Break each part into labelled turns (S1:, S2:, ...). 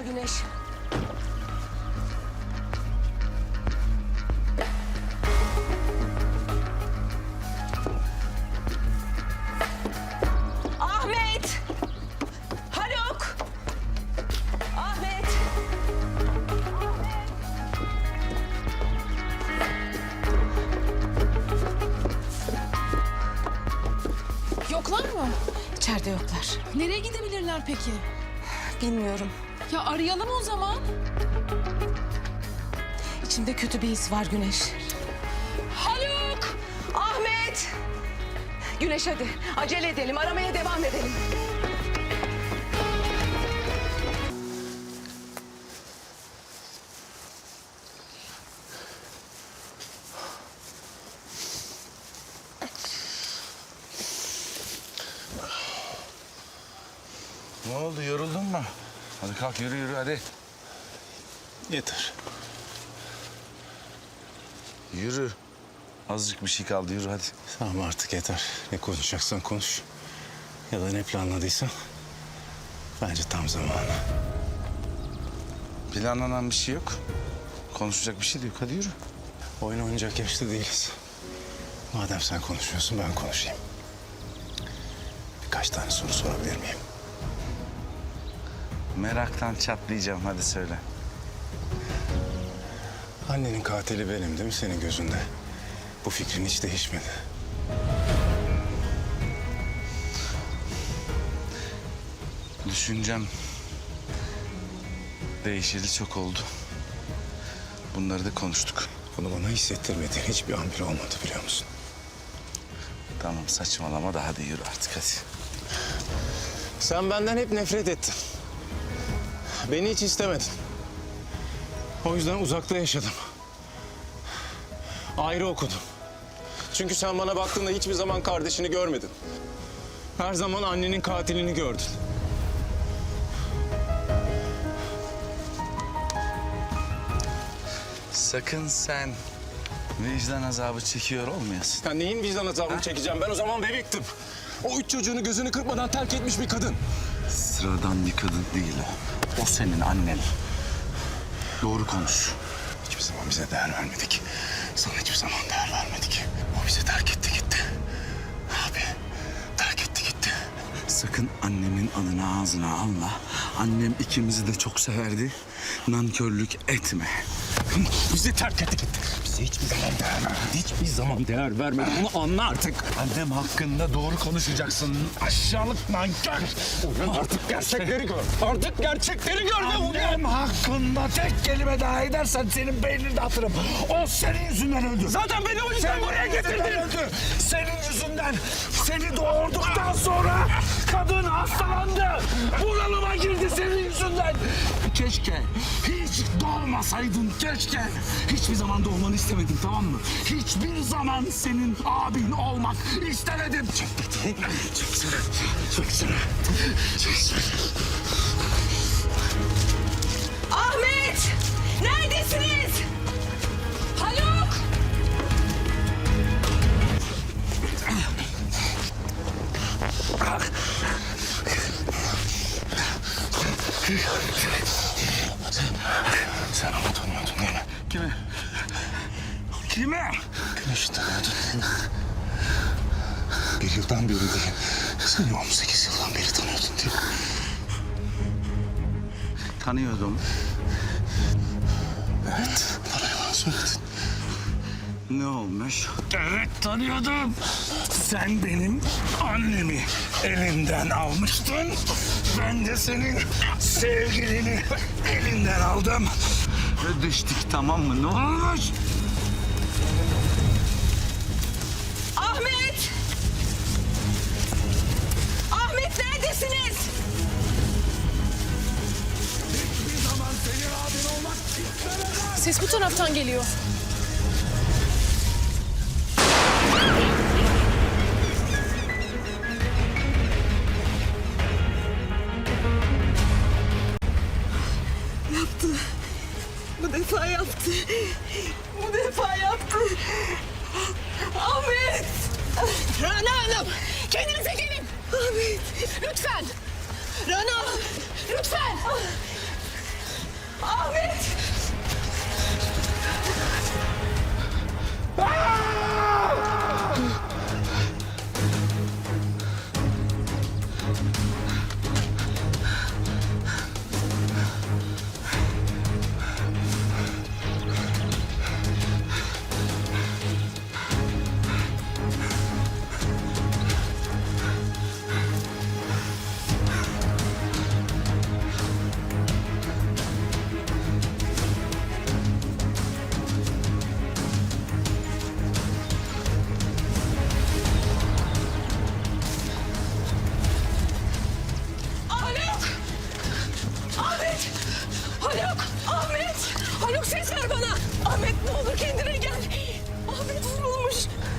S1: Güneş. Ahmet! Haluk! Ahmet!
S2: Yoklar mı?
S1: İçeride yoklar.
S2: Nereye gidebilirler peki?
S1: Bilmiyorum.
S2: Ya arayalım o zaman.
S1: İçimde kötü bir his var Güneş. Haluk! Ahmet! Güneş hadi acele edelim, aramaya devam edelim.
S3: Ne oldu, yoruldun mu? Hadi kalk, yürü yürü hadi.
S4: Yeter.
S3: Yürü. Azıcık bir şey kaldı, yürü hadi.
S4: Tamam artık yeter. Ne konuşacaksan konuş. Ya da ne planladıysan. Bence tam zamanı.
S3: Planlanan bir şey yok. Konuşacak bir şey de yok, hadi yürü.
S4: Oyun oynayacak yaşta değiliz. Madem sen konuşuyorsun ben konuşayım. Birkaç tane soru sorabilir miyim?
S3: Meraktan çatlayacağım, hadi söyle.
S4: Annenin katili benim değil mi senin gözünde? Bu fikrin hiç değişmedi.
S3: Düşüncem değişeli çok oldu. Bunları da konuştuk.
S4: Bunu bana hissettirmediğin hiçbir an bile olmadı biliyor musun?
S3: Tamam saçmalama da hadi yürü artık hadi.
S4: Sen benden hep nefret ettin. Beni hiç istemedin. O yüzden uzakta yaşadım. Ayrı okudum. Çünkü sen bana baktığında hiçbir zaman kardeşini görmedin. Her zaman annenin katilini gördün.
S3: Sakın sen vicdan azabı çekiyor olmayasın.
S4: Ya neyin vicdan azabını çekeceğim? Ben o zaman bebektim. O 3 çocuğunu gözünü kırpmadan terk etmiş bir kadın.
S3: Sıradan bir kadın değil o. O senin annen. Doğru konuş.
S4: Hiçbir zaman bize değer vermedik. Sana hiçbir zaman değer vermedik. O bizi terk etti gitti. Abi terk etti gitti.
S3: Sakın annemin adını ağzına alma. Annem ikimizi de çok severdi. Nankörlük etme.
S4: Bizi terk etti gitti. Bize hiçbir zaman değer vermedi. Hiçbir zaman değer vermedi. Bunu anla artık.
S3: Annem hakkında doğru konuşacaksın. Aşağılık nankör.
S4: Artık gerçekleri gör. Artık gerçekleri gör.
S5: Annem hakkında tek kelime daha edersen senin beynini de atırım. O senin yüzünden öldü.
S4: Zaten beni o yüzden buraya getirdin.
S5: Öldü. Senin yüzünden. Seni doğurduktan sonra kadın hastalandı. Bunalıma girdi senin yüzünden. Keşke hiç doğmasaydın keşke. Hiçbir zaman doğmanı istemedim tamam mı? Hiçbir zaman senin abin olmak istemedim. Çeksene.
S1: Ahmet! Neredesiniz? Haluk!
S4: Sen onu tanıyordun değil mi?
S3: Kimi?
S5: Kime?
S4: Güneş'i tanıyordun. Bir yıldan beri değil. Seni 18 yıldan beri tanıyordun değil mi?
S3: Tanıyordum.
S4: Evet. Bana yalan söyledin.
S3: Ne olmuş?
S5: Evet tanıyordum. Sen benim annemi elimden almıştın. Ben de senin sevgilini elinden aldım.
S3: Ödeştik tamam mı? Ne olmuş?
S1: Ahmet! Ahmet neredesiniz?
S5: Hiçbir zaman senin abin olmak istemeden.
S2: Ses bu taraftan geliyor.
S1: Yaptı. Bu defa yaptı. Bu defa yaptı. Ahmet!
S2: Rana Hanım! Kendinize gelin!
S1: Ahmet!
S2: Lütfen! Rana! Lütfen!
S1: Ahmet! Haluk! Ahmet! Haluk! Ahmet! Haluk ses ver bana! Ahmet ne olur kendine gel! Ahmet vurulmuş!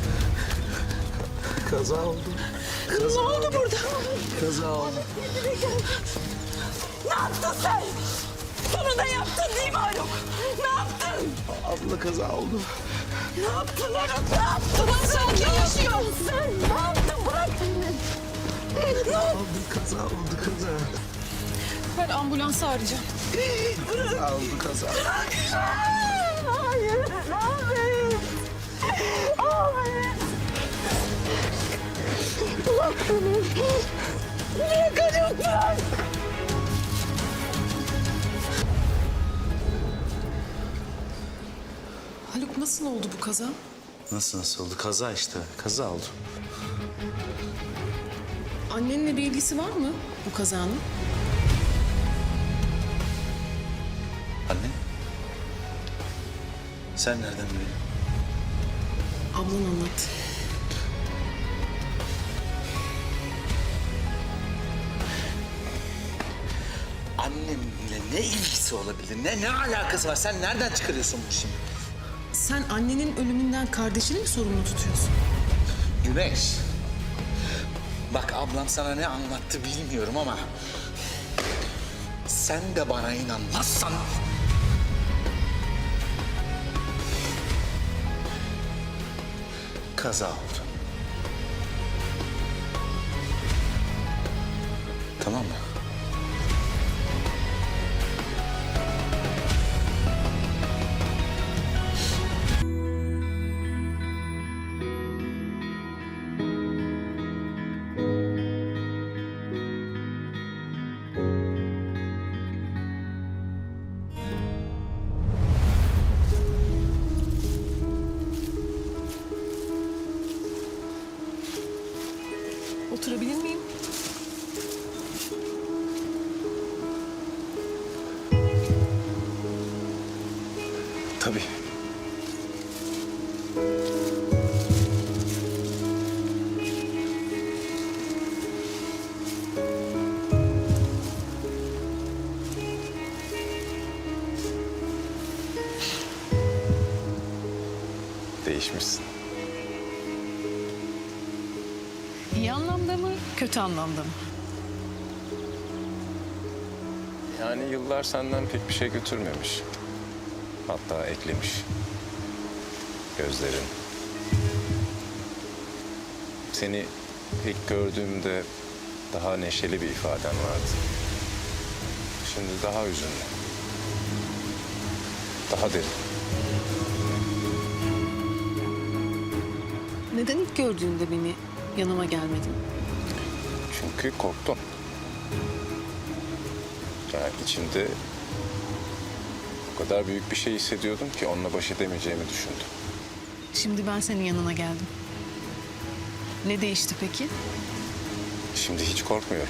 S5: Kaza oldu.
S1: Ne oldu burada?
S5: Kaza oldu.
S1: Kendine gel! Ne yaptın sen? Sonunda yaptın değil mi Haluk? Ne yaptın?
S5: Abla kaza oldu.
S1: Ne yaptın Haluk? Ne yaptın? Sen yaşıyorsun sen! Ne yaptın? Bırak beni! Ne oldu?
S5: Kaza oldu kaza.
S2: Ben ambulansı arayacağım.
S5: Kaza oldu kaza.
S1: Hayır! Ahmet! Ahmet! Bırak beni! Bırak Haluk bırak!
S2: Haluk nasıl oldu bu kaza?
S3: Nasıl oldu? Kaza işte. Kaza oldu.
S2: Annenle bir ilgisi var mı bu kazanın?
S3: Anne? Sen nereden biliyorsun?
S2: Ablan anlat.
S3: Annemle ne ilgisi olabilir? Ne alakası var? Sen nereden çıkarıyorsun bu şimdi?
S2: Sen annenin ölümünden kardeşini mi sorumlu tutuyorsun?
S3: Güneş. Bak ablam sana ne anlattı bilmiyorum ama... sen de bana inanmazsan... kaza oldu. Tamam mı?
S2: Oturabilir miyim?
S4: Tabii. Değişmişsin.
S2: İyi anlamda mı, kötü anlamda mı?
S4: Yani yıllar senden pek bir şey götürmemiş. Hatta eklemiş. Gözlerin. Seni ilk gördüğümde daha neşeli bir ifaden vardı. Şimdi daha hüzünlü. Daha derin.
S2: Neden ilk gördüğünde beni yanıma gelmedin?
S4: Çünkü korktum. Yani içimde o kadar büyük bir şey hissediyordum ki onunla baş edemeyeceğimi düşündüm.
S2: Şimdi ben senin yanına geldim. Ne değişti peki?
S4: Şimdi hiç korkmuyorum.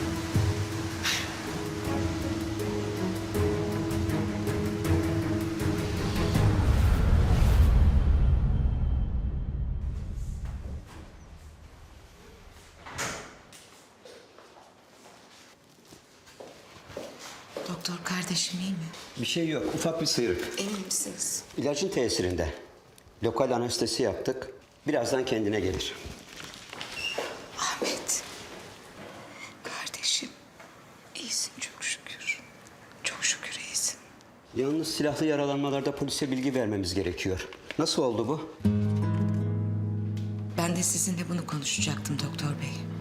S6: Doktor kardeşim iyi mi?
S7: Bir şey yok, ufak bir sıyrık.
S6: Emin misiniz?
S7: İlacın tesirinde. Lokal anestezi yaptık. Birazdan kendine gelir.
S6: Ahmet. Kardeşim. İyisin çok şükür. Çok şükür iyisin.
S7: Yalnız silahlı yaralanmalarda polise bilgi vermemiz gerekiyor. Nasıl oldu bu?
S6: Ben de sizinle bunu konuşacaktım doktor bey.